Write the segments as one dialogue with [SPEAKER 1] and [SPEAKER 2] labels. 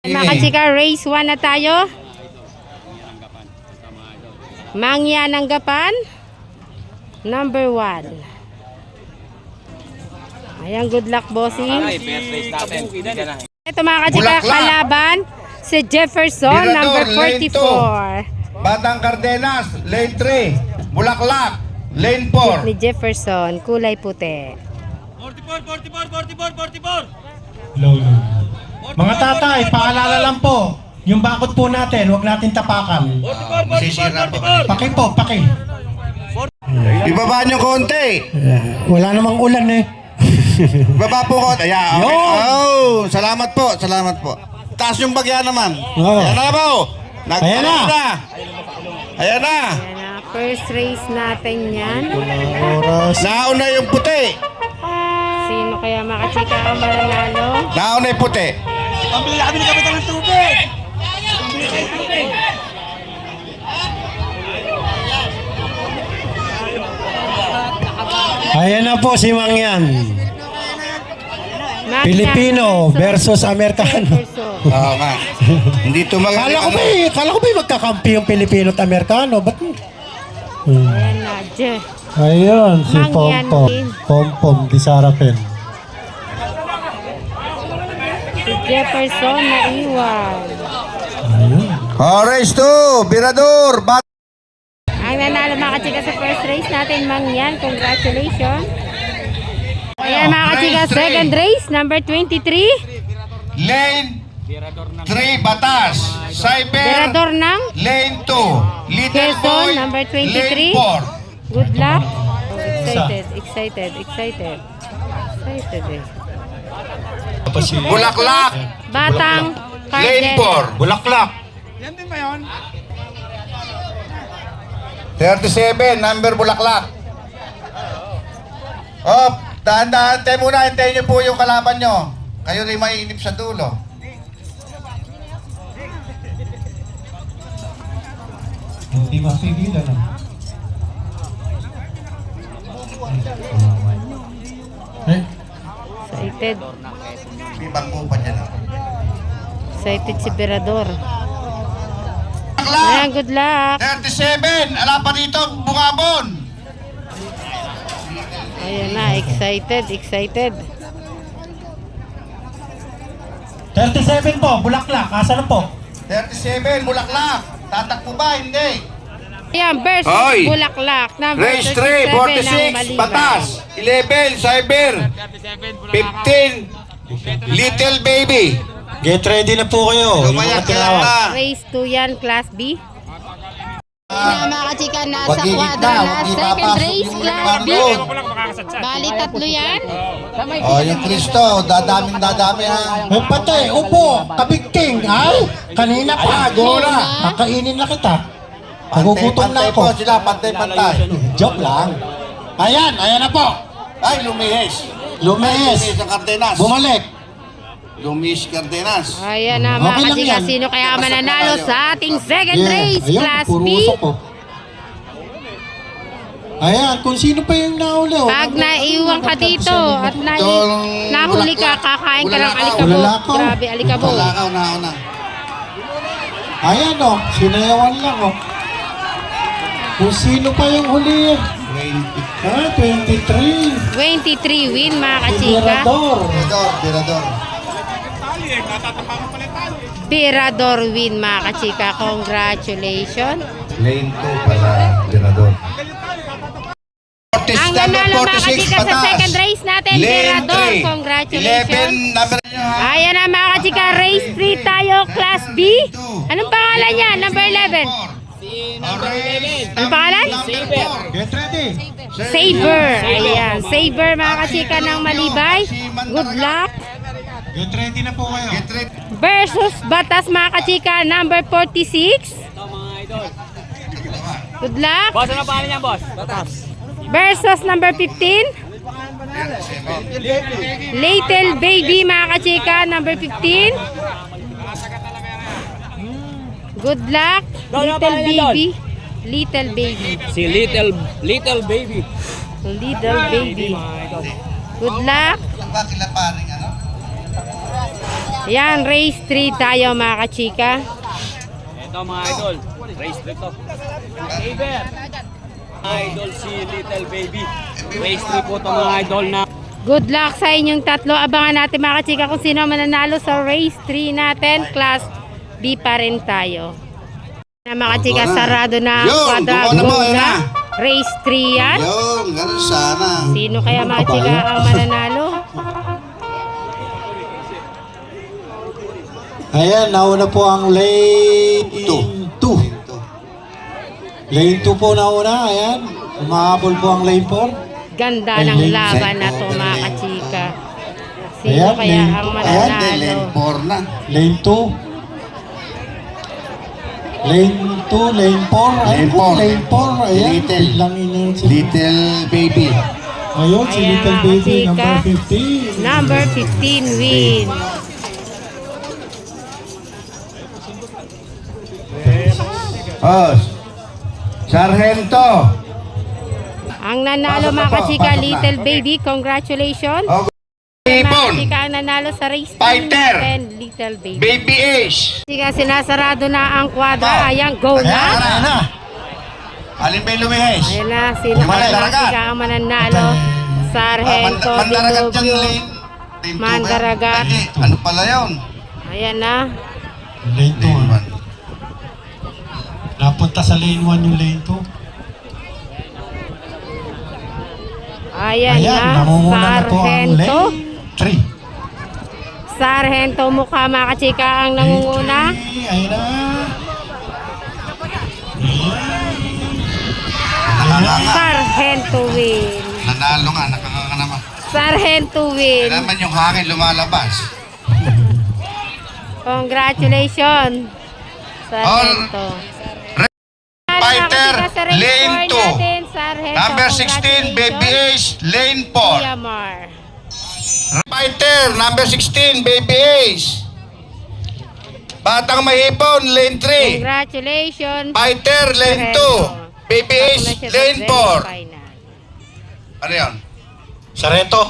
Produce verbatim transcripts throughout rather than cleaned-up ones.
[SPEAKER 1] Mga kachika, race one na tayo. Mangyananggapan number one. Ayan, good luck bossing. Ito mga kachika, kalaban si Jefferson number forty-four.
[SPEAKER 2] Batang Cardenas, lane three. Bulaklak, lane four.
[SPEAKER 1] Ni Jefferson, kulay puti.
[SPEAKER 3] forty-four, forty-four, forty-four, forty-four.
[SPEAKER 4] Low, low. Mga tatay, paalala lang po. Yung bakod po natin, huwag natin tapakan.
[SPEAKER 3] forty-four, forty-four, forty-four.
[SPEAKER 4] Paki po, paki.
[SPEAKER 2] Ibaba nyo konti.
[SPEAKER 4] Wala namang ulan eh.
[SPEAKER 2] Ibaba po konti. Ayan, okay.
[SPEAKER 4] Yun.
[SPEAKER 2] Oh, salamat po, salamat po. Taas yung bagya naman.
[SPEAKER 4] Oo.
[SPEAKER 2] Ayan na po. Nag-
[SPEAKER 4] Ayan na.
[SPEAKER 2] Ayan na. Ayan na.
[SPEAKER 1] Ayan na, first race natin yan.
[SPEAKER 4] Oras.
[SPEAKER 2] Nauna yung puti.
[SPEAKER 1] Sino kaya mga kachika ang mananalo?
[SPEAKER 2] Nauna yung puti.
[SPEAKER 3] Pambili na kami ng kapitan ng tubig.
[SPEAKER 4] Ayan na po si Mangyan.
[SPEAKER 1] Mangyan
[SPEAKER 4] Pilipino versus Amerikano.
[SPEAKER 1] Jefferson.
[SPEAKER 2] Oo nga. Hindi tumangal.
[SPEAKER 4] Kala ko ba eh, kala ko ba eh magkakampi yung Pilipino at Amerikano? Ba't? Hmm.
[SPEAKER 1] Ayan na, Jeff.
[SPEAKER 4] Ayun, si
[SPEAKER 1] Mangyan
[SPEAKER 4] Pompom.
[SPEAKER 1] din.
[SPEAKER 4] Pompom, di Sarapin.
[SPEAKER 1] Si Jefferson na iwan.
[SPEAKER 4] Ayun.
[SPEAKER 2] Oh, race two. Birador. Bat
[SPEAKER 1] Ang nanalo mga kachika sa first race natin, Mangyan. Congratulations. Ayan mga kachika, second race, number twenty-three.
[SPEAKER 2] Lane three, Batas. Cyber.
[SPEAKER 1] Berador ng
[SPEAKER 2] Lane two. Little
[SPEAKER 1] Quezon,
[SPEAKER 2] Boy.
[SPEAKER 1] number twenty-three.
[SPEAKER 2] Lane four.
[SPEAKER 1] Good luck. Oh, excited, excited, excited. Excited eh.
[SPEAKER 2] Bulaklak.
[SPEAKER 1] Batang
[SPEAKER 2] Lane
[SPEAKER 1] Cardel.
[SPEAKER 2] four.
[SPEAKER 4] Bulaklak.
[SPEAKER 3] Yan din ba yun?
[SPEAKER 2] thirty-seven, number Bulaklak. Oh, dahan-dahan tayo muna. Hintayin niyo po yung kalaban nyo. Kayo rin maiinip sa dulo.
[SPEAKER 4] Hindi mapigilan ah. Eh,
[SPEAKER 1] Excited.
[SPEAKER 2] May bangko pa dyan.
[SPEAKER 1] Excited si Berador.
[SPEAKER 2] Bulaklak.
[SPEAKER 1] Ayan, good luck.
[SPEAKER 2] thirty-seven, ala pa dito, bungabon.
[SPEAKER 1] Ayan na, excited, excited.
[SPEAKER 4] thirty-seven po, Bulaklak. Asa na po?
[SPEAKER 2] thirty-seven, Bulaklak. Tatakbo ba? Hindi.
[SPEAKER 1] Ayan, versus
[SPEAKER 2] Hoy!
[SPEAKER 1] Bulaklak. Number
[SPEAKER 2] Race three,
[SPEAKER 1] thirty-seven ng
[SPEAKER 2] forty-six,
[SPEAKER 1] Malibay.
[SPEAKER 2] Batas. eleven, Cyber. fifteen, Little Baby.
[SPEAKER 4] Get ready na po kayo. Yung
[SPEAKER 2] Lumaya
[SPEAKER 4] mga
[SPEAKER 2] ka lang
[SPEAKER 4] tinawag.
[SPEAKER 2] na.
[SPEAKER 1] Race two yan, Class B. Na mga kachika, nasa
[SPEAKER 2] Wag gigit
[SPEAKER 1] kwadra
[SPEAKER 2] na,
[SPEAKER 1] na.
[SPEAKER 2] wag
[SPEAKER 1] Second
[SPEAKER 2] ipapasok
[SPEAKER 1] race,
[SPEAKER 2] yung
[SPEAKER 1] Class B.
[SPEAKER 2] bangko.
[SPEAKER 1] Bali, tatlo yan.
[SPEAKER 2] Oh, yung Kristo, dadaming dadami ha.
[SPEAKER 4] May patay, upo, kabigting. Ay, kanina pa.
[SPEAKER 2] Gola.
[SPEAKER 4] Kakainin na kita. Nagugutom na
[SPEAKER 2] Pantay
[SPEAKER 4] ako.
[SPEAKER 2] po sila, pantay-pantay.
[SPEAKER 4] Joke lang. Ayan, ayan na po.
[SPEAKER 2] Ay, lumihis.
[SPEAKER 4] Lumihis.
[SPEAKER 2] Lumihis ang Cardenas.
[SPEAKER 4] Bumalik.
[SPEAKER 2] Lumihis Cardenas.
[SPEAKER 1] Ayan na mga
[SPEAKER 4] Okay lang
[SPEAKER 1] kachika,
[SPEAKER 4] yan.
[SPEAKER 1] sino kaya
[SPEAKER 2] Basta
[SPEAKER 1] mananalo
[SPEAKER 2] tayo.
[SPEAKER 1] sa ating second
[SPEAKER 4] Yeah,
[SPEAKER 1] race,
[SPEAKER 4] ayun,
[SPEAKER 1] Class
[SPEAKER 4] puro
[SPEAKER 1] B?
[SPEAKER 4] usok ko. Ayan, kung sino pa yung nahuli. oh.
[SPEAKER 1] Pag naiwan ka dito at na
[SPEAKER 2] Itong
[SPEAKER 1] nahuli ka,
[SPEAKER 2] bulaklak.
[SPEAKER 1] kakain ka ng
[SPEAKER 2] Bulalakaw.
[SPEAKER 1] alikabok.
[SPEAKER 4] Bulalakaw.
[SPEAKER 1] Grabe, alikabok.
[SPEAKER 2] Talakaw na ako na.
[SPEAKER 4] Ayan o, sinayawan lang o. Kung sino pa yung huli.
[SPEAKER 2] twenty.
[SPEAKER 4] Ah, twenty-three.
[SPEAKER 1] twenty-three win mga kachika.
[SPEAKER 4] Tirador.
[SPEAKER 2] Birador, birador.
[SPEAKER 1] Pirador win mga kachika. Congratulations.
[SPEAKER 2] Lane two pala, birador.
[SPEAKER 1] Ang nanalo mga kachika sa second race natin, Pirador. Congratulations.
[SPEAKER 2] eleven, number nyo ha.
[SPEAKER 1] Ayan na mga kachika, race three tayo, Class B. Anong pangalan niya? Number eleven. Anong pangalan?
[SPEAKER 4] Get ready.
[SPEAKER 1] Saber. Ayan, Saber mga kachika ng Malibay. Good luck.
[SPEAKER 4] Get ready na po kayo.
[SPEAKER 2] Get ready.
[SPEAKER 1] Versus Batas mga kachika, number forty-six. Good luck.
[SPEAKER 3] Boss, ano pangalan niya, boss? Batas.
[SPEAKER 1] Versus number fifteen. Little Baby mga kachika, number fifteen. Good luck. Little Baby. Little Baby.
[SPEAKER 3] Si Little, Little Baby.
[SPEAKER 1] Little Baby. Good luck.
[SPEAKER 2] Lang ba kila paring ano?
[SPEAKER 1] Yan, race three tayo mga kachika.
[SPEAKER 3] Ito mga idol. Race three to. Saber. Idol si Little Baby. Race three po to mga idol na.
[SPEAKER 1] Good luck sa inyong tatlo. Abangan natin mga kachika kung sino mananalo sa race three natin. Class B pa rin tayo. Na mga kachika, sarado na ang
[SPEAKER 2] Yun,
[SPEAKER 1] quadra.
[SPEAKER 2] gumawa na
[SPEAKER 1] Go
[SPEAKER 2] po, yun
[SPEAKER 1] na.
[SPEAKER 2] na.
[SPEAKER 1] Race three yan.
[SPEAKER 2] Yun, ganun sana.
[SPEAKER 1] Sino kaya mga kachika ang mananalo?
[SPEAKER 4] Ayan, nauna po ang lane
[SPEAKER 2] Two.
[SPEAKER 4] two. Lane two po nauna, ayan. Umahabol po ang lane four.
[SPEAKER 1] Ganda
[SPEAKER 4] Ay,
[SPEAKER 1] ng
[SPEAKER 4] lane
[SPEAKER 1] laban na to mga kachika. Sino
[SPEAKER 4] Ayan,
[SPEAKER 1] kaya
[SPEAKER 4] lane-
[SPEAKER 1] ang
[SPEAKER 2] Ayan,
[SPEAKER 1] mananalo?
[SPEAKER 2] lane four na.
[SPEAKER 4] Lane two. Lane two, lane four.
[SPEAKER 2] Lane
[SPEAKER 4] Ayun po,
[SPEAKER 2] four.
[SPEAKER 4] lane four. Ayan,
[SPEAKER 2] Little.
[SPEAKER 4] lang inin si
[SPEAKER 2] Little Baby.
[SPEAKER 4] Ayun, si
[SPEAKER 1] Ayan,
[SPEAKER 4] Little
[SPEAKER 1] mga
[SPEAKER 4] Baby,
[SPEAKER 1] kachika.
[SPEAKER 4] number fifteen.
[SPEAKER 1] Number fifteen win.
[SPEAKER 2] Oh, Sargento.
[SPEAKER 1] Ang nanalo
[SPEAKER 2] Pasok na
[SPEAKER 1] mga
[SPEAKER 2] po,
[SPEAKER 1] kachika,
[SPEAKER 2] pasok na.
[SPEAKER 1] Little Baby, congratulations.
[SPEAKER 2] Oh,
[SPEAKER 1] Mga
[SPEAKER 2] Ipon.
[SPEAKER 1] kachika ang nanalo sa race team
[SPEAKER 2] Fighter.
[SPEAKER 1] natin, Little Baby.
[SPEAKER 2] Baby Ace.
[SPEAKER 1] Kachika, sinasarado na ang
[SPEAKER 2] Oh.
[SPEAKER 1] kwadra. Ayan, go
[SPEAKER 2] Ayan,
[SPEAKER 1] na.
[SPEAKER 2] ayan na. Alin ba yung lumihes?
[SPEAKER 1] Ayan na, sino
[SPEAKER 2] Yung
[SPEAKER 1] kaya mga
[SPEAKER 2] mandaragat.
[SPEAKER 1] kachika ang mananalo? Sargento,
[SPEAKER 2] Ah, man- mandaragat dyan,
[SPEAKER 1] Dilubyo.
[SPEAKER 2] lane. Lane two ba yun?
[SPEAKER 1] Mandaragat.
[SPEAKER 2] Ay, ano pala yun?
[SPEAKER 1] Ayan na.
[SPEAKER 4] Lane two.
[SPEAKER 2] Lane
[SPEAKER 4] ah.
[SPEAKER 2] one.
[SPEAKER 4] Napunta sa lane one yung lane two.
[SPEAKER 1] Ayan,
[SPEAKER 4] Ayan,
[SPEAKER 1] na.
[SPEAKER 4] namumuna na po ang
[SPEAKER 1] Sargento.
[SPEAKER 4] lane three.
[SPEAKER 1] Sargento mukha mga kachika ang nangunguna.
[SPEAKER 4] Lane three, ayun na.
[SPEAKER 2] Nakanga nga.
[SPEAKER 1] Sargento win.
[SPEAKER 2] Nanalo nga, nakanga naman.
[SPEAKER 1] Sargento win.
[SPEAKER 2] Kaya naman yung hangin lumalabas.
[SPEAKER 1] Congratulations. Sargento.
[SPEAKER 2] Fighter, lane two.
[SPEAKER 1] Sargento,
[SPEAKER 2] Number sixteen, Baby Ace, lane four.
[SPEAKER 1] Yamar.
[SPEAKER 2] Fighter, number sixteen, Baby Ace. Batang Mahipon, lane three.
[SPEAKER 1] Congratulations.
[SPEAKER 2] Fighter, lane two. Baby Ace,
[SPEAKER 1] Congratulations
[SPEAKER 2] lane
[SPEAKER 1] sa
[SPEAKER 2] four.
[SPEAKER 1] semifinal.
[SPEAKER 2] Ano yun?
[SPEAKER 4] Sarento.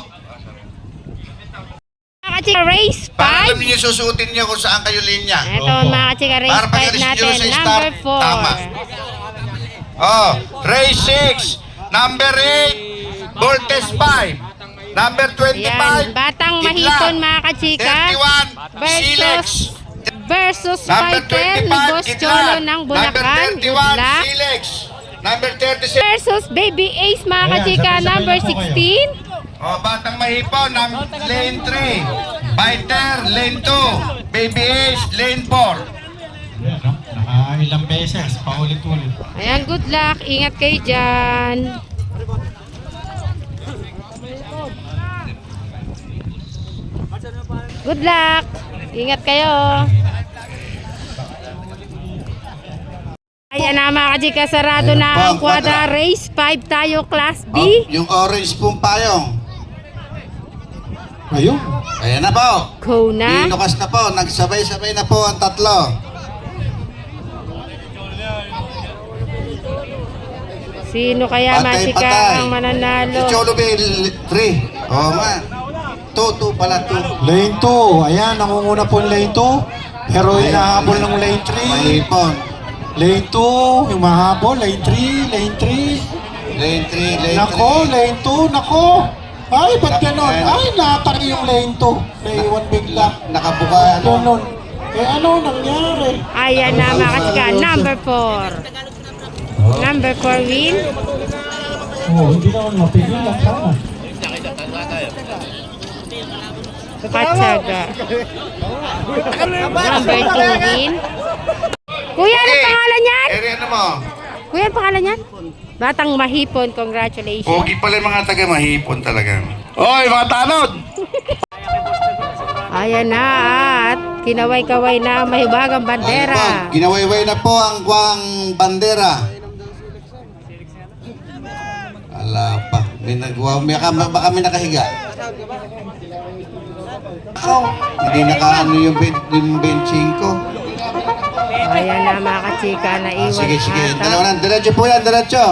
[SPEAKER 1] Mga kachika, race
[SPEAKER 2] Para alam
[SPEAKER 1] five.
[SPEAKER 2] niyo susuotin niyo kung saan kayo linya.
[SPEAKER 1] Ito mga kachika, race
[SPEAKER 2] Para pag
[SPEAKER 1] five
[SPEAKER 2] alis niyo
[SPEAKER 1] natin.
[SPEAKER 2] sa
[SPEAKER 1] Number
[SPEAKER 2] start,
[SPEAKER 1] four.
[SPEAKER 2] tama. Oh, race six, number eight, Voltes five, number twenty-five,
[SPEAKER 1] Yan, Batang
[SPEAKER 2] Kidlat.
[SPEAKER 1] Mahipon mga kachika.
[SPEAKER 2] thirty-one, Silex.
[SPEAKER 1] Versus versus
[SPEAKER 2] Number
[SPEAKER 1] fighter ni
[SPEAKER 2] twenty-five,
[SPEAKER 1] Boss Cholo
[SPEAKER 2] Kidlat.
[SPEAKER 1] ng
[SPEAKER 2] Number
[SPEAKER 1] Bulacan. Good
[SPEAKER 2] thirty-one,
[SPEAKER 1] luck.
[SPEAKER 2] Silex. Number thirty-six,
[SPEAKER 1] Versus Baby Ace mga
[SPEAKER 4] Ayan,
[SPEAKER 1] kachika.
[SPEAKER 4] sabay-sabay
[SPEAKER 1] Number
[SPEAKER 4] na po kayo.
[SPEAKER 1] sixteen.
[SPEAKER 2] oh, Batang Mahipon, num- lane three, Fighter, lane two, Baby Ace, lane four.
[SPEAKER 4] Ayan, no? Nakailang beses, paulit-ulit.
[SPEAKER 1] Ayan, good luck. Ingat kayo dyan. Good luck. Ingat kayo. Ayan na mga kachika, sarado
[SPEAKER 2] Ayan
[SPEAKER 1] na
[SPEAKER 2] po
[SPEAKER 1] ang
[SPEAKER 2] ang
[SPEAKER 1] quadra.
[SPEAKER 2] quadra.
[SPEAKER 1] Race five tayo, Class B.
[SPEAKER 2] Oh, yung orange pong payong.
[SPEAKER 4] Ayun.
[SPEAKER 2] Ayan na po.
[SPEAKER 1] Go na.
[SPEAKER 2] Inukas na po. Nagsabay-sabay na po ang tatlo.
[SPEAKER 1] Sino kaya
[SPEAKER 2] Patay,
[SPEAKER 1] mga kachika
[SPEAKER 2] patay.
[SPEAKER 1] ang mananalo?
[SPEAKER 2] Si Cholo Bill, three. Oo nga. two, two pala, two.
[SPEAKER 4] Lane two. Ayan, nangunguna po yung lane two. Pero hinahabol ng lane three.
[SPEAKER 2] Mahipon.
[SPEAKER 4] Lane two, yung mahabol. Lane three, lane three.
[SPEAKER 2] Lane three, lane
[SPEAKER 4] Nako,
[SPEAKER 2] three.
[SPEAKER 4] lane two, nako. Ay, ba't ganon? Ay, nataki yung lane two. Naiwan bigla.
[SPEAKER 2] Nakabuka, ano?
[SPEAKER 4] Ganon. Eh, ano nangyari?
[SPEAKER 1] Ayan na mga kachika, number four. Number four win.
[SPEAKER 4] Oh, hindi naman mapigilan sana.
[SPEAKER 1] Katsaga. Number two win. Kuya, ano
[SPEAKER 2] Okay.
[SPEAKER 1] pangalan yan?
[SPEAKER 2] Area ano mo?
[SPEAKER 1] Kuya, ano pangalan yan? Batang Mahipon, congratulations.
[SPEAKER 2] Pogi pala yung mga taga Mahipon talaga. Oy, mga tanod!
[SPEAKER 1] Ayan na at kinaway-kaway na ang mahibagang bandera.
[SPEAKER 2] Ayun po, ginawayway na po ang guwang bandera. Ala pa. May nagwaw. May, baka may nakahiga. Oh, hindi nakaano yung, ben, yung benching ko.
[SPEAKER 1] Ayan na mga kachika,
[SPEAKER 2] Ah,
[SPEAKER 1] naiwan
[SPEAKER 2] sige, sige.
[SPEAKER 1] ata.
[SPEAKER 2] Dalawa na. Diretso po yan, diretso.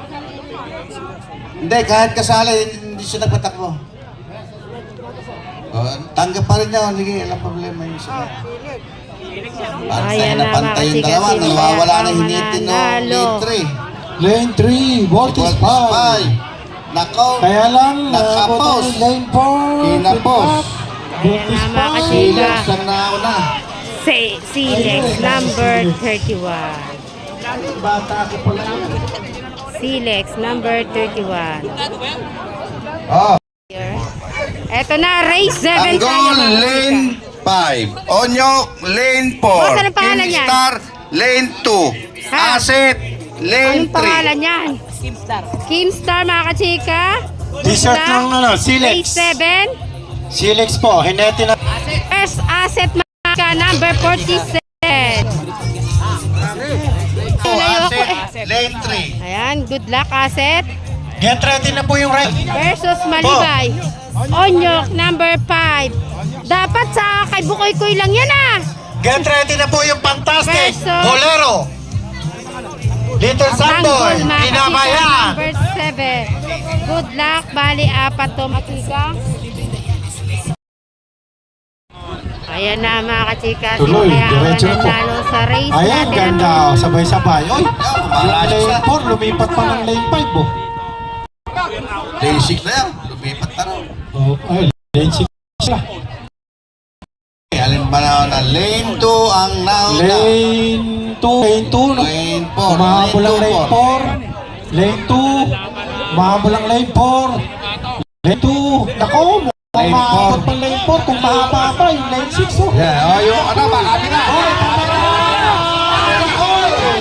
[SPEAKER 2] Hindi, kahit kasali, hindi siya nagpatakbo. Oh, tanggap pa rin niya. Sige, walang problema yun siya. Parang tayo
[SPEAKER 1] Ayan
[SPEAKER 2] na
[SPEAKER 1] na,
[SPEAKER 2] pantay yung
[SPEAKER 1] mga
[SPEAKER 2] dalawa.
[SPEAKER 1] chika,
[SPEAKER 2] Nawawala
[SPEAKER 1] sino
[SPEAKER 2] na
[SPEAKER 1] ang
[SPEAKER 2] hinitin no
[SPEAKER 1] mananalo?
[SPEAKER 2] lane three.
[SPEAKER 4] Lane three, Voltis five.
[SPEAKER 2] Nako.
[SPEAKER 4] Kaya lang,
[SPEAKER 2] Nakapos.
[SPEAKER 4] uh, lane four.
[SPEAKER 2] Kinapos.
[SPEAKER 4] Voltis
[SPEAKER 1] Ayan na, mga
[SPEAKER 4] five.
[SPEAKER 1] chika.
[SPEAKER 2] Silex ang nauna.
[SPEAKER 1] Si Silex number thirty-one.
[SPEAKER 4] Bata ko pala yun.
[SPEAKER 1] Silex number thirty-one.
[SPEAKER 2] Oh.
[SPEAKER 1] Eto na, race seven tayo,
[SPEAKER 2] Tanggol,
[SPEAKER 1] mga
[SPEAKER 2] lane
[SPEAKER 1] chika.
[SPEAKER 2] five. Onyok, lane four.
[SPEAKER 1] Boss, anong pangalan yan?
[SPEAKER 2] Kingstar, lane two.
[SPEAKER 1] Ha?
[SPEAKER 2] Asset, lane
[SPEAKER 1] Anong pangalan
[SPEAKER 2] three.
[SPEAKER 1] yan? Kimstar. Kimstar, mga kachika.
[SPEAKER 4] T-shirt
[SPEAKER 1] Good
[SPEAKER 4] ng
[SPEAKER 1] luck.
[SPEAKER 4] ano,
[SPEAKER 1] Race
[SPEAKER 4] Silex.
[SPEAKER 1] seven.
[SPEAKER 4] Silex po, hinete na.
[SPEAKER 1] First asset, mga ka, number forty-seven.
[SPEAKER 2] Oh,
[SPEAKER 1] Layo ako
[SPEAKER 2] asset,
[SPEAKER 1] eh.
[SPEAKER 2] lane three.
[SPEAKER 1] Ayan, good luck, asset.
[SPEAKER 4] Get ready na po yung ride.
[SPEAKER 1] Versus Malibay. Onyok, number five. Dapat sa kay Bukoy Koy lang yan ah.
[SPEAKER 4] Get ready na po yung fantastic.
[SPEAKER 1] Versus-
[SPEAKER 4] Bolero. Little Samboy.
[SPEAKER 1] Tanggol, mga kachika,
[SPEAKER 4] Pinabayan.
[SPEAKER 1] number seven. Good luck, bali apat to, makika. Ayan na, mga kachika. Sino
[SPEAKER 4] Tuloy,
[SPEAKER 1] kaya ang
[SPEAKER 4] diretso na po.
[SPEAKER 1] mananalo sa race
[SPEAKER 4] Ayan,
[SPEAKER 1] natin?
[SPEAKER 4] ganda. oh, Sabay-sabay. Oy,
[SPEAKER 2] Malayo
[SPEAKER 4] lane
[SPEAKER 2] siya.
[SPEAKER 4] four, lumipat pa ng lane five. Oh.
[SPEAKER 2] Lane six na yan. Lumipat na raw.
[SPEAKER 4] Oh, ay, lane six sila.
[SPEAKER 2] Eh, alin ba na na lane two ang nauna?
[SPEAKER 4] Lane two. Lane two. No?
[SPEAKER 2] Lane four.
[SPEAKER 4] Umahabol ang
[SPEAKER 2] Lane
[SPEAKER 4] lane
[SPEAKER 2] two,
[SPEAKER 4] four. Lane two. Umahabol ang lane four. Lane two. Nako,
[SPEAKER 2] Lane
[SPEAKER 4] mukhang
[SPEAKER 2] four.
[SPEAKER 4] mahabot pa ang lane four. Kung mahaba pa yung lane six. Oh.
[SPEAKER 2] Yeah, oh, yung ano ba? Kami na.
[SPEAKER 4] Oy, kamera! Oy!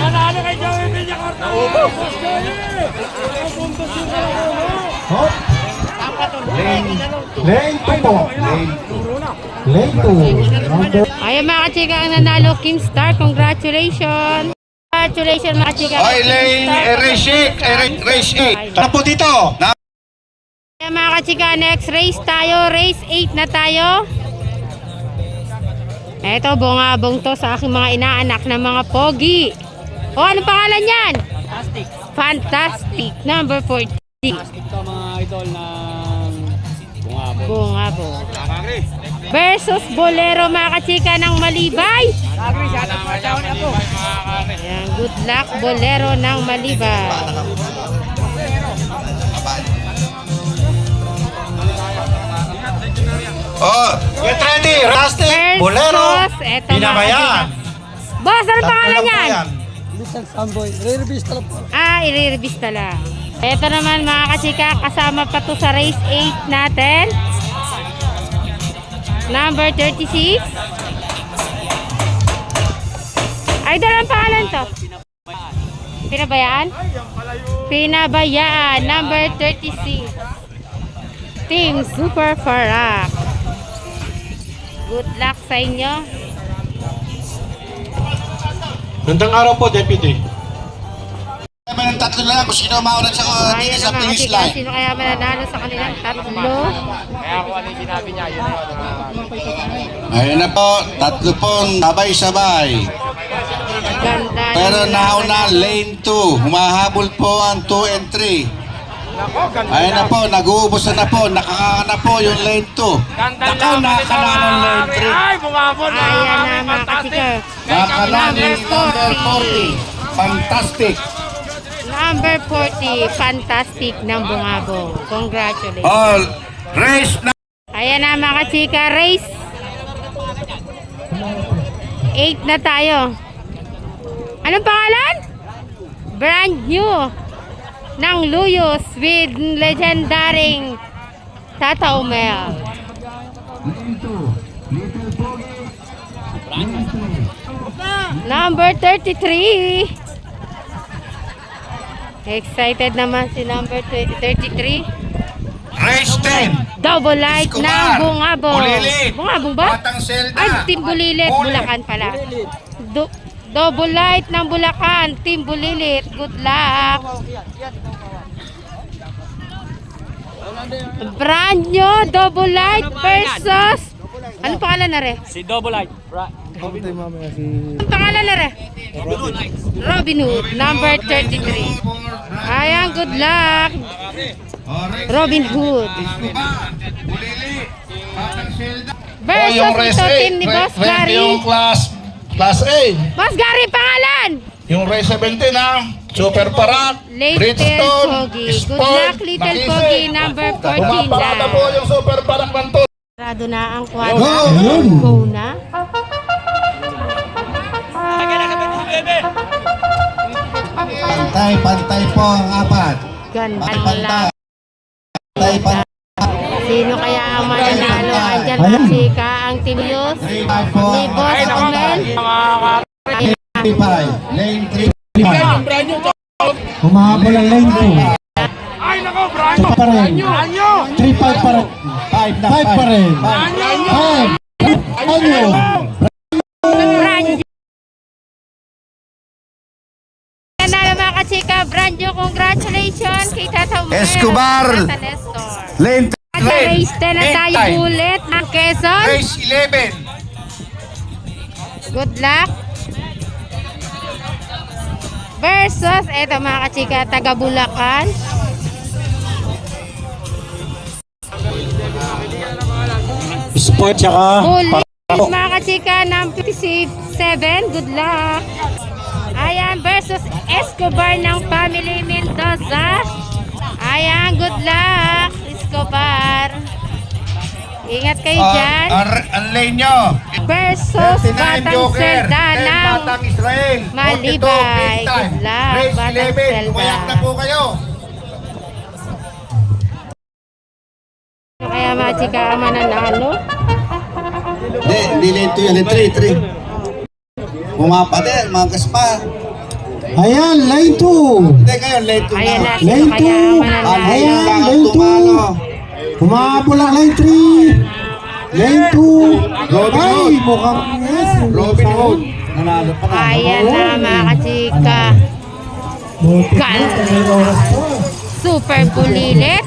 [SPEAKER 4] Hop. Lane, lane two po. Lane two. Number
[SPEAKER 1] Ayan, mga kachika ang nanalo. Kimstar, congratulations. Congratulations, mga kachika.
[SPEAKER 2] Oy, lane, eh, race eight. Eh, ra- race eight.
[SPEAKER 4] Tara po dito.
[SPEAKER 1] Ayan, mga kachika, next race tayo. Race eight na tayo. Eto, bungabong to sa aking mga inaanak na mga pogi. O, ano pangalan yan?
[SPEAKER 3] Fantastic.
[SPEAKER 1] Fantastic. Number forty.
[SPEAKER 3] Fantastic to mga idol ng bungabon.
[SPEAKER 1] Bungabong. Versus Bolero, mga kachika ng Malibay. Ayan, good luck, Bolero ng Malibay.
[SPEAKER 2] Oh,
[SPEAKER 4] Get ready. Rustic.
[SPEAKER 1] Versus,
[SPEAKER 4] Bolero.
[SPEAKER 1] eto, mga
[SPEAKER 4] Pinabayan.
[SPEAKER 1] kachika. Boss, ano pangalan yan?
[SPEAKER 3] Little Samboy, re-release talaga po.
[SPEAKER 1] Ah, i-release lang. Ito naman, mga kachika, kasama pa to sa race eight natin. Number thirty-six. Ay, dalang pangalan to. Pinabayaan? Pinabayaan. Number thirty-six. Team Super Farak. Good luck sa inyo.
[SPEAKER 4] Gandang araw po, Deputy.
[SPEAKER 2] kami ng tatlo na lang kung sino mauna sa, uh, dito
[SPEAKER 1] Ayan
[SPEAKER 2] sa
[SPEAKER 1] na, mga
[SPEAKER 2] finish
[SPEAKER 1] kachika,
[SPEAKER 2] line.
[SPEAKER 1] sino kaya mananalo sa kanilang tatlo?
[SPEAKER 2] Ayun na po, tatlo pong sabay-sabay.
[SPEAKER 1] Ganda.
[SPEAKER 2] Pero
[SPEAKER 1] ng
[SPEAKER 2] nauna
[SPEAKER 1] laban.
[SPEAKER 2] lane two, humahabol po ang two and three. Ayun na po, nag-uubos na po, nakakana na po yung lane two. Nakaw, nakakana ng lane three.
[SPEAKER 1] Ayan na, mga kachika.
[SPEAKER 2] Nakakana ni number forty. Fantastic.
[SPEAKER 1] Number forty, fantastic ng bungabong. Congratulations.
[SPEAKER 2] All race na.
[SPEAKER 1] Ayan na, mga kachika, race eight na tayo. Anong pangalan? Brand new ng Luyos with legendaring Tata Umel. Number thirty-three. Excited naman si number thirty-three.
[SPEAKER 2] Race ten.
[SPEAKER 1] Double light ng
[SPEAKER 2] Escobar.
[SPEAKER 1] Bungabong.
[SPEAKER 2] Bulilit.
[SPEAKER 1] Bungabong ba?
[SPEAKER 2] Batang Selda.
[SPEAKER 1] Ay, Team Bulilit.
[SPEAKER 2] Bulit.
[SPEAKER 1] Bulacan pala. Do- double light ng Bulacan. Team Bulilit. Good luck. Brand new double light versus... Ano pangalan na re?
[SPEAKER 3] Si Double Light. Bra.
[SPEAKER 1] Ano pangalan na re? Robin Hood. Number thirty-three. Ayan, good luck. Robin Hood.
[SPEAKER 2] Escobar. Bulili.
[SPEAKER 1] Versus
[SPEAKER 2] yung race
[SPEAKER 1] ito
[SPEAKER 2] A,
[SPEAKER 1] team ni Boss
[SPEAKER 2] race-
[SPEAKER 1] Gary.
[SPEAKER 2] Yung class, class A.
[SPEAKER 1] Boss Gary, pangalan!
[SPEAKER 2] Yung race seventeen ha. Super Parat,
[SPEAKER 1] Little
[SPEAKER 2] Bridgestone,
[SPEAKER 1] Pogi. Good
[SPEAKER 2] Sport,
[SPEAKER 1] luck, Little
[SPEAKER 2] Makise.
[SPEAKER 1] Pogi, number fourteen
[SPEAKER 2] Pumaparada
[SPEAKER 1] na.
[SPEAKER 2] po yung Super Parat ng to.
[SPEAKER 1] Sarado na ang kwadra.
[SPEAKER 4] Yun.
[SPEAKER 1] Go na.
[SPEAKER 4] Pantay, pantay po ang apat.
[SPEAKER 1] Ganda
[SPEAKER 4] Pantay,
[SPEAKER 1] lang.
[SPEAKER 4] pantay, pantay.
[SPEAKER 1] Sino kaya ang mananalo? Andyan
[SPEAKER 4] Ayan.
[SPEAKER 1] si Ka ang Team Yus.
[SPEAKER 4] three five po
[SPEAKER 1] Ni
[SPEAKER 4] ang
[SPEAKER 1] Boss
[SPEAKER 4] apat.
[SPEAKER 1] Omel.
[SPEAKER 4] three five. Lane three five. Humahabol ang lane two.
[SPEAKER 3] Ay, nako, Branyo!
[SPEAKER 4] Ito pa rin.
[SPEAKER 3] Branyo!
[SPEAKER 4] three five pa rin. five na five pa rin. five. Ano?
[SPEAKER 1] Branjo. Nanalo mga kachika. Branjo, congratulations kay Tata Umel.
[SPEAKER 2] Escobar.
[SPEAKER 1] Tata Nestor.
[SPEAKER 2] Lane
[SPEAKER 1] At sa race ten na tayo ulit ng Quezon.
[SPEAKER 2] Race eleven.
[SPEAKER 1] Good luck. Versus, eto mga kachika, taga Bulacan.
[SPEAKER 4] Sport tsaka
[SPEAKER 1] Police, mga kachika, ng fifty-seven. Good luck. Ayan, versus Escobar ng Family Mendoza. Ayan, good luck, Escobar. Ingat kayo dyan.
[SPEAKER 2] Ang ang lane nyo.
[SPEAKER 1] Versus
[SPEAKER 2] thirty-nine
[SPEAKER 1] Batang
[SPEAKER 2] Joker.
[SPEAKER 1] Selda
[SPEAKER 2] ten
[SPEAKER 1] ng
[SPEAKER 2] Batang Israel.
[SPEAKER 1] Malibay.
[SPEAKER 2] forty-two big time.
[SPEAKER 1] Good luck,
[SPEAKER 2] Race
[SPEAKER 1] Batang
[SPEAKER 2] eleven.
[SPEAKER 1] Selda.
[SPEAKER 2] Umayak na po kayo.
[SPEAKER 1] Kaya mga chika ang mananalo.
[SPEAKER 2] Hindi, hindi lane two yan. Lane three, three. Pumapade, mga kaspa.
[SPEAKER 4] Ayan, lane two.
[SPEAKER 2] Hindi ngayon, lane two
[SPEAKER 1] Ayan na,
[SPEAKER 2] na.
[SPEAKER 1] sino
[SPEAKER 4] Lane
[SPEAKER 1] kaya
[SPEAKER 4] two.
[SPEAKER 1] ang mananalo.
[SPEAKER 4] Ayan,
[SPEAKER 2] Kailangan
[SPEAKER 4] lane two.
[SPEAKER 2] tumalo.
[SPEAKER 4] Humahabol ang lane three. Lane two.
[SPEAKER 2] Robin
[SPEAKER 4] Ay,
[SPEAKER 2] Hood.
[SPEAKER 4] mukhang yes.
[SPEAKER 2] Robin Hood. Nanalo pa na.
[SPEAKER 1] Ayan na mga kachika.
[SPEAKER 4] Buti na,
[SPEAKER 1] Ganda.
[SPEAKER 4] may oras pa.
[SPEAKER 1] Super bulilit.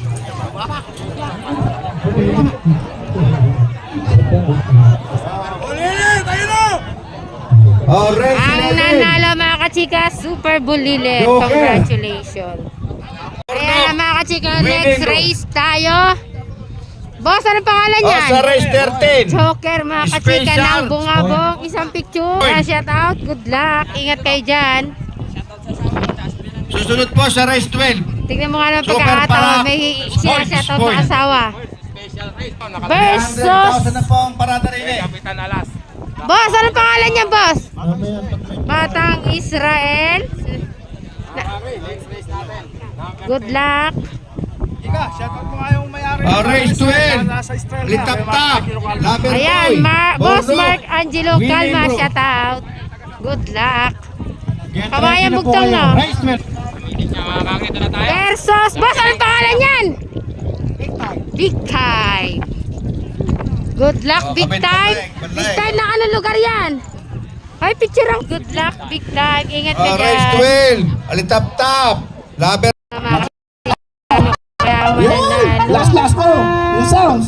[SPEAKER 2] Oh, race
[SPEAKER 1] Ang
[SPEAKER 2] eleven.
[SPEAKER 1] nanalo mga kachika, super bulilit.
[SPEAKER 2] Joker.
[SPEAKER 1] Congratulations. Ayan na mga kachika, next race tayo. Boss, ano pangalan
[SPEAKER 2] Oh,
[SPEAKER 1] niyan?
[SPEAKER 2] sa race thirteen.
[SPEAKER 1] Joker mga kachika
[SPEAKER 2] Special.
[SPEAKER 1] ng bungabong. Isang picture.
[SPEAKER 2] Oy.
[SPEAKER 1] Shout out. Good luck. Ingat kayo dyan.
[SPEAKER 2] Susunod po sa race twelve.
[SPEAKER 1] Tignan mo nga ng
[SPEAKER 2] Super
[SPEAKER 1] pagkakataon.
[SPEAKER 2] para-
[SPEAKER 1] May
[SPEAKER 2] Spoil,
[SPEAKER 1] siya shout out
[SPEAKER 2] spoil.
[SPEAKER 1] na asawa.
[SPEAKER 2] one hundred
[SPEAKER 1] Versus.
[SPEAKER 2] thousand na po ang parada rin eh.
[SPEAKER 3] Kapitan Alas.
[SPEAKER 1] Boss, ano pangalan niya, boss?
[SPEAKER 4] Mamaya, pag-
[SPEAKER 1] Batang Israel. Na- Good luck.
[SPEAKER 3] Ika, shoutout mo nga yung may-ari.
[SPEAKER 2] Oh, race twelve.
[SPEAKER 3] Nasa Estrella.
[SPEAKER 2] Litap-tap. Laber
[SPEAKER 1] Ayan,
[SPEAKER 2] boy.
[SPEAKER 1] Ma- Boss
[SPEAKER 2] Bordeaux.
[SPEAKER 1] Mark Angelo
[SPEAKER 2] Winning
[SPEAKER 1] Calma,
[SPEAKER 2] bro.
[SPEAKER 1] shout out. Good luck.
[SPEAKER 4] Get
[SPEAKER 1] Kabayan
[SPEAKER 4] ready na po
[SPEAKER 1] bugtong,
[SPEAKER 4] kayo.
[SPEAKER 1] no?
[SPEAKER 4] Race man.
[SPEAKER 3] Makakita na tayo.
[SPEAKER 1] Versus, boss, ano pangalan niyan? Big time. Good luck,
[SPEAKER 2] Oh,
[SPEAKER 1] big
[SPEAKER 2] kapit
[SPEAKER 1] time.
[SPEAKER 2] balik, balik.
[SPEAKER 1] Big time na anong lugar yan? Ay, picture ang good luck, big time. Ingat ka
[SPEAKER 2] Oh, race
[SPEAKER 1] dyan.
[SPEAKER 2] twelve. Alitap-tap. Laber.
[SPEAKER 1] Mga ano kaya
[SPEAKER 4] Yun!
[SPEAKER 1] mananalo.
[SPEAKER 4] Last, last po. Yung sounds.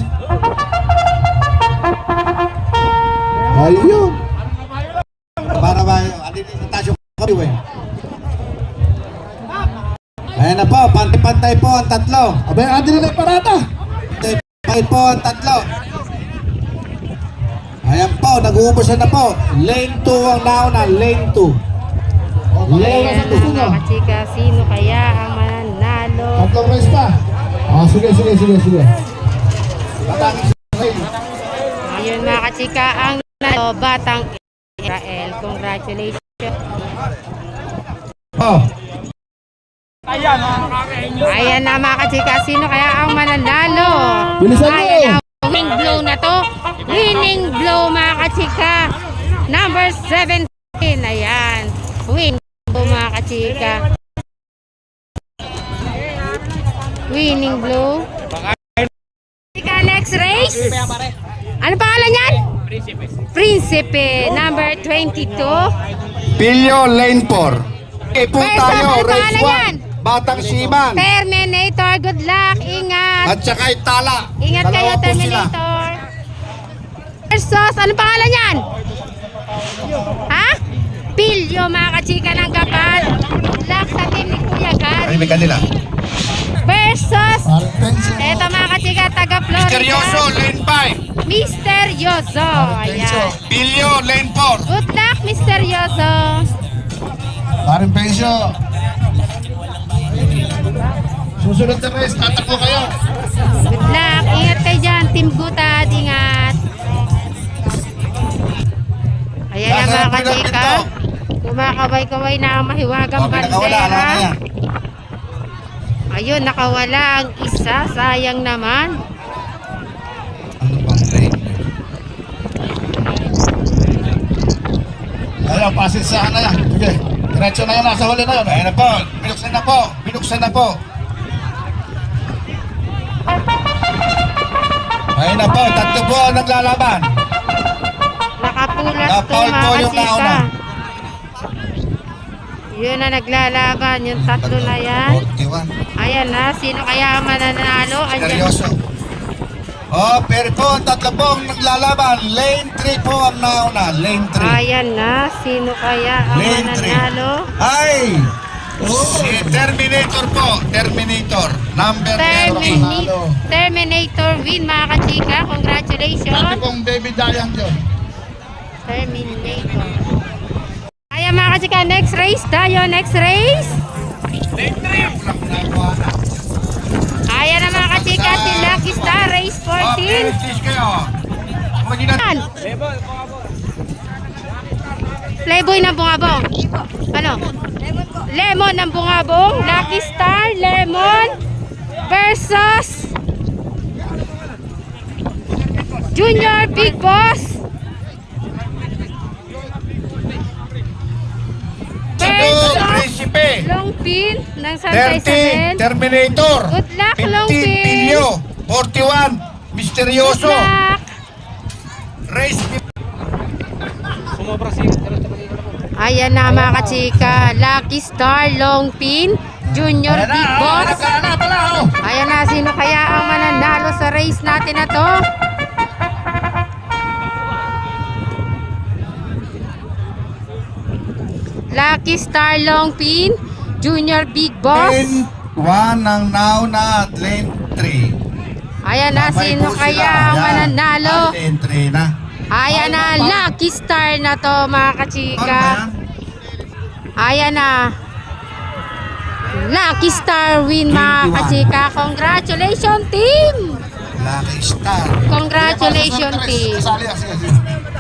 [SPEAKER 4] Ayun.
[SPEAKER 2] Para ba, andito sa tasyo ko eh. Ayan na po, pantay-pantay po ang tatlo.
[SPEAKER 4] Abay, adi na may parada.
[SPEAKER 2] Pantay po ang tatlo. Ayan po, nag-uubos na po. Lane two ang nauna, lane two.
[SPEAKER 1] Ayan
[SPEAKER 2] Lane
[SPEAKER 1] na
[SPEAKER 2] two.
[SPEAKER 1] mga chika, sino kaya ang mananalo?
[SPEAKER 4] Tatlong race pa. Ah, sige, sige, sige, sige.
[SPEAKER 1] Ayun mga kachika, ang nanalo, Batang Israel. Congratulations.
[SPEAKER 2] Oh,
[SPEAKER 3] Ayan, nakakain nyo.
[SPEAKER 1] Ayan na mga kachika, sino kaya ang mananalo?
[SPEAKER 4] Bilisan mo!
[SPEAKER 1] Ayan na, winning blow na to. Winning blow mga kachika. Number seventeen. Ayan. Winning blow mga kachika. Winning blow. Kachika, next race. Ano pangalan yan? Prinsipe. Number twenty-two.
[SPEAKER 2] Pilyo, lane four. Okay po
[SPEAKER 1] Versus,
[SPEAKER 2] tayo,
[SPEAKER 1] ano
[SPEAKER 2] race
[SPEAKER 1] pangalan yan?
[SPEAKER 2] one. Batang Siman.
[SPEAKER 1] Terminator. Good luck. Ingat.
[SPEAKER 2] At saka Itala.
[SPEAKER 1] Ingat kayo,
[SPEAKER 2] Dalawa po sila.
[SPEAKER 1] Terminator. Versus, ano pangalan yan? Ha? Pilyo, mga kachika ng Gapan. Good luck sa team ni Kuya Gar.
[SPEAKER 2] Ay, may kanila.
[SPEAKER 1] Versus,
[SPEAKER 4] Parang pencil.
[SPEAKER 1] eto mga kachika, taga Florida.
[SPEAKER 2] Misteryoso, lane five.
[SPEAKER 1] Misteryoso. Ayan.
[SPEAKER 2] Bilyo, lane four.
[SPEAKER 1] Good luck, Misteryoso.
[SPEAKER 4] Paring Pensyo. Susunod na race, tatakbo kayo.
[SPEAKER 1] Good luck. Ingat kayo dyan, Team Gutad. Ingat. Ayan na mga kachika. Kumakaway-kaway na ang mahiwagang
[SPEAKER 2] Okay, nakawala. Ano na
[SPEAKER 1] bandera.
[SPEAKER 2] yan?
[SPEAKER 1] Ayun, nakawala ang isa. Sayang naman.
[SPEAKER 2] Ano bang lane?
[SPEAKER 4] Ayaw, pasin sa na yan. Sige, diretso na yun, nasa huli na yun.
[SPEAKER 2] Ayun na po. Binuksan na po. Binuksan na po. Ayun na po. Tatlo po ang naglalaban.
[SPEAKER 1] Nakapulas to
[SPEAKER 2] Napaul po
[SPEAKER 1] mga
[SPEAKER 2] yung
[SPEAKER 1] kachika.
[SPEAKER 2] nauna.
[SPEAKER 1] Yun na naglalaban. Yung tatlo na yan.
[SPEAKER 2] forty-one.
[SPEAKER 1] Ayan na. Sino kaya ang mananalo? Andyan.
[SPEAKER 2] Seryoso. Oh, pero po, ang tatlo po ang naglalaban. Lane three po ang nauna. Lane three.
[SPEAKER 1] Ayan na. Sino kaya ang
[SPEAKER 2] Lane three.
[SPEAKER 1] mananalo?
[SPEAKER 2] Ay! Si Terminator po. Terminator. Number thirty.
[SPEAKER 1] Termini Terminator win mga kachika.
[SPEAKER 4] Dati
[SPEAKER 1] Congratulations.
[SPEAKER 4] pong David Dayan yun.
[SPEAKER 1] Terminator. Ayan mga kachika. Next race tayo. Next race. Ayan na mga kachika. Si Lucky Star Race
[SPEAKER 2] Oh,
[SPEAKER 1] fourteen.
[SPEAKER 2] Peresis kayo. Mag-inat.
[SPEAKER 1] Yan. Playboy ng bungabong. Ano? Lemon ng bungabong. Lucky Star Lemon versus Junior Big Boss
[SPEAKER 2] Ito,
[SPEAKER 1] versus
[SPEAKER 2] Principe.
[SPEAKER 1] Long Pin ng Santa
[SPEAKER 2] thirty,
[SPEAKER 1] Isabel.
[SPEAKER 2] Terminator.
[SPEAKER 1] Good luck, Long
[SPEAKER 2] fifteen,
[SPEAKER 1] Pin.
[SPEAKER 2] Pilyo. forty-one,
[SPEAKER 1] Good
[SPEAKER 2] Misteryoso.
[SPEAKER 1] luck.
[SPEAKER 2] Race
[SPEAKER 1] Ayan na mga kachika. Lucky Star Long Pin Junior
[SPEAKER 2] Ayan na,
[SPEAKER 1] Big
[SPEAKER 2] oh,
[SPEAKER 1] Boss.
[SPEAKER 2] ayan na, ayan na pala, oh.
[SPEAKER 1] Ayan na, sino kaya ang mananalo sa race natin na to? Lucky Star Long Pin Junior Big Boss.
[SPEAKER 2] Lane one ang nauna at lane three.
[SPEAKER 1] Ayan na,
[SPEAKER 2] Sabay
[SPEAKER 1] sino
[SPEAKER 2] po
[SPEAKER 1] kaya
[SPEAKER 2] sila.
[SPEAKER 1] ang
[SPEAKER 2] Ayan.
[SPEAKER 1] mananalo?
[SPEAKER 2] At lane three na.
[SPEAKER 1] Ayan na, Lucky Star na to mga
[SPEAKER 2] Ano
[SPEAKER 1] kachika.
[SPEAKER 2] ba yan?
[SPEAKER 1] Ayan na. Lucky Star win mga
[SPEAKER 2] twenty-one.
[SPEAKER 1] kachika. Congratulations team!
[SPEAKER 2] Lucky Star.
[SPEAKER 1] Congratulations team!
[SPEAKER 4] Kasali, sige, sige.